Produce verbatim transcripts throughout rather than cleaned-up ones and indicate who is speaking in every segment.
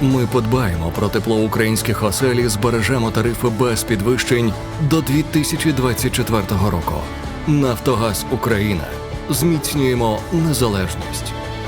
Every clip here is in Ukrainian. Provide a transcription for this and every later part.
Speaker 1: Ми подбаємо про тепло українських осель і збережемо тарифи без підвищень до дві тисячі двадцять четвертого року. Нафтогаз Україна. Зміцнюємо незалежність.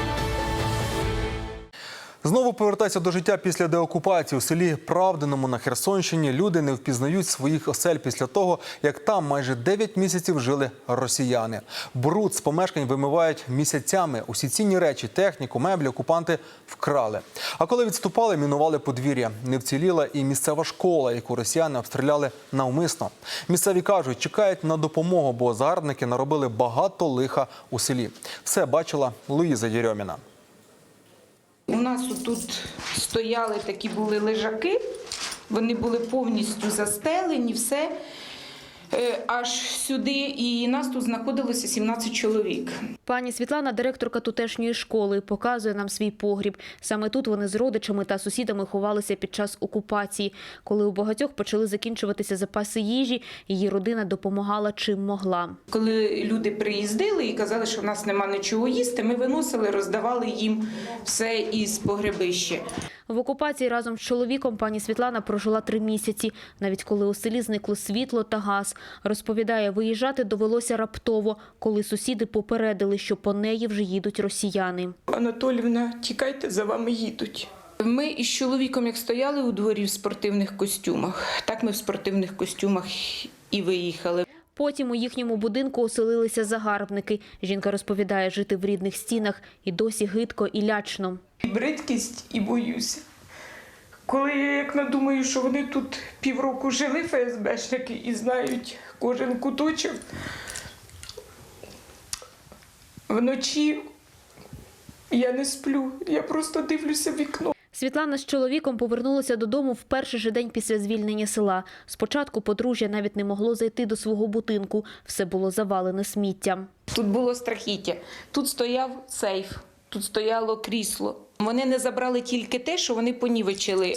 Speaker 2: Знову повертаються до життя після деокупації. У селі Правдиному на Херсонщині люди не впізнають своїх осель після того, як там майже дев'ять місяців жили росіяни. Бруд з помешкань вимивають місяцями. Усі цінні речі, техніку, меблі окупанти вкрали. А коли відступали, мінували подвір'я. Не вціліла і місцева школа, яку росіяни обстріляли навмисно. Місцеві кажуть, чекають на допомогу, бо загарбники наробили багато лиха у селі. Все бачила Луїза Єрьоміна.
Speaker 3: У нас тут стояли такі були лежаки, вони були повністю застелені, все, аж сюди, і нас тут знаходилося сімнадцять чоловік.
Speaker 4: Пані Світлана, директорка тутешньої школи, показує нам свій погріб. Саме тут вони з родичами та сусідами ховалися під час окупації. Коли у багатьох почали закінчуватися запаси їжі, її родина допомагала чим могла.
Speaker 3: Коли люди приїздили і казали, що в нас нема нічого їсти, ми виносили, роздавали їм все із погребища.
Speaker 4: В окупації разом з чоловіком пані Світлана прожила три місяці, навіть коли у селі зникло світло та газ. Розповідає, виїжджати довелося раптово, коли сусіди попередили, що по неї вже їдуть росіяни.
Speaker 3: Анатоліївна, тікайте, за вами їдуть. Ми із чоловіком, як стояли у дворі в спортивних костюмах, так ми в спортивних костюмах і виїхали.
Speaker 4: Потім у їхньому будинку оселилися загарбники. Жінка розповідає, жити в рідних стінах і досі гидко і лячно.
Speaker 3: І бридкість, і боюся. Коли я як надумаю, що вони тут півроку жили, ФСБшники, і знають кожен куточок, вночі я не сплю, я просто дивлюся в вікно.
Speaker 4: Світлана з чоловіком повернулася додому в перший же день після звільнення села. Спочатку подружжя навіть не могло зайти до свого будинку. Все було завалене сміттям.
Speaker 3: Тут було страхіття. Тут стояв сейф, тут стояло крісло. Вони не забрали тільки те, що вони понівечили.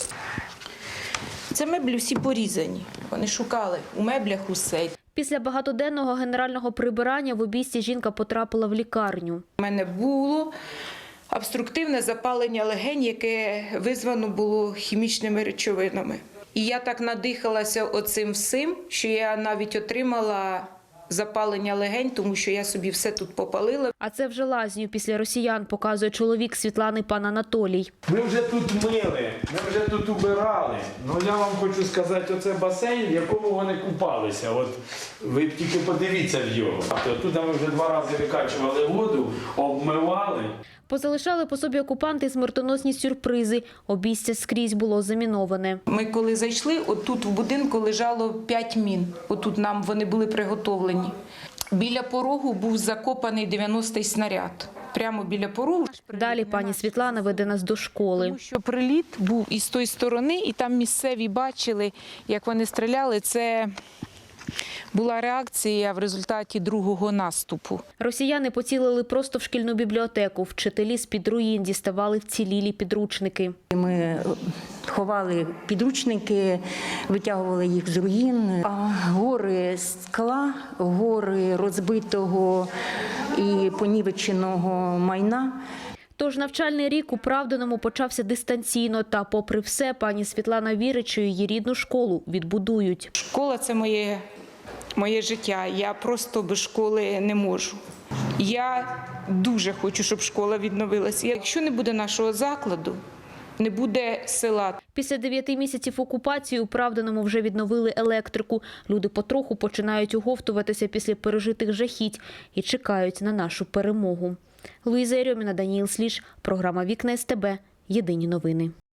Speaker 3: Це меблі всі порізані. Вони шукали у меблях усе.
Speaker 4: Після багатоденного генерального прибирання в Обійсті жінка потрапила в лікарню.
Speaker 3: У мене було обструктивне запалення легень, яке визвано було хімічними речовинами. І я так надихалася оцим всім, що я навіть отримала запалення легень, тому що я собі все тут попалила.
Speaker 4: А це вже лазню після росіян, показує чоловік Світлани, пан Анатолій.
Speaker 5: Ми вже тут мили, ми вже тут убирали. Ну я вам хочу сказати, оце басейн, в якому вони купалися. От ви тільки подивіться в його. Тут ми вже два рази викачували воду, обмивали.
Speaker 4: Позалишали по собі окупанти смертоносні сюрпризи. Обійстя скрізь було заміноване.
Speaker 3: Ми коли зайшли, отут в будинку лежало п'ять мін. Отут нам вони були приготовлені. Біля порогу був закопаний дев'яностий снаряд. Прямо біля порогу.
Speaker 4: Далі пані Світлана веде нас до школи.
Speaker 3: Тому що приліт був із тої сторони, і там місцеві бачили, як вони стріляли. Це була реакція в результаті другого наступу.
Speaker 4: Росіяни поцілили просто в шкільну бібліотеку. Вчителі з-під руїн діставали вцілілі підручники.
Speaker 6: Ми ховали підручники, витягували їх з руїн. А гори скла, гори розбитого і понівеченого майна.
Speaker 4: Тож навчальний рік у Правдиному почався дистанційно. Та попри все, пані Світлана вірить, що її рідну школу відбудують.
Speaker 3: Школа – це моє, моє життя. Я просто без школи не можу. Я дуже хочу, щоб школа відновилася. Якщо не буде нашого закладу, не буде села.
Speaker 4: Після дев'яти місяців окупації у Правдиному вже відновили електрику. Люди потроху починають оговтуватися після пережитих жахіть і чекають на нашу перемогу. Луїза Єрьоміна, Даніїл Сліж, програма «Вікна ес те бе». Єдині новини.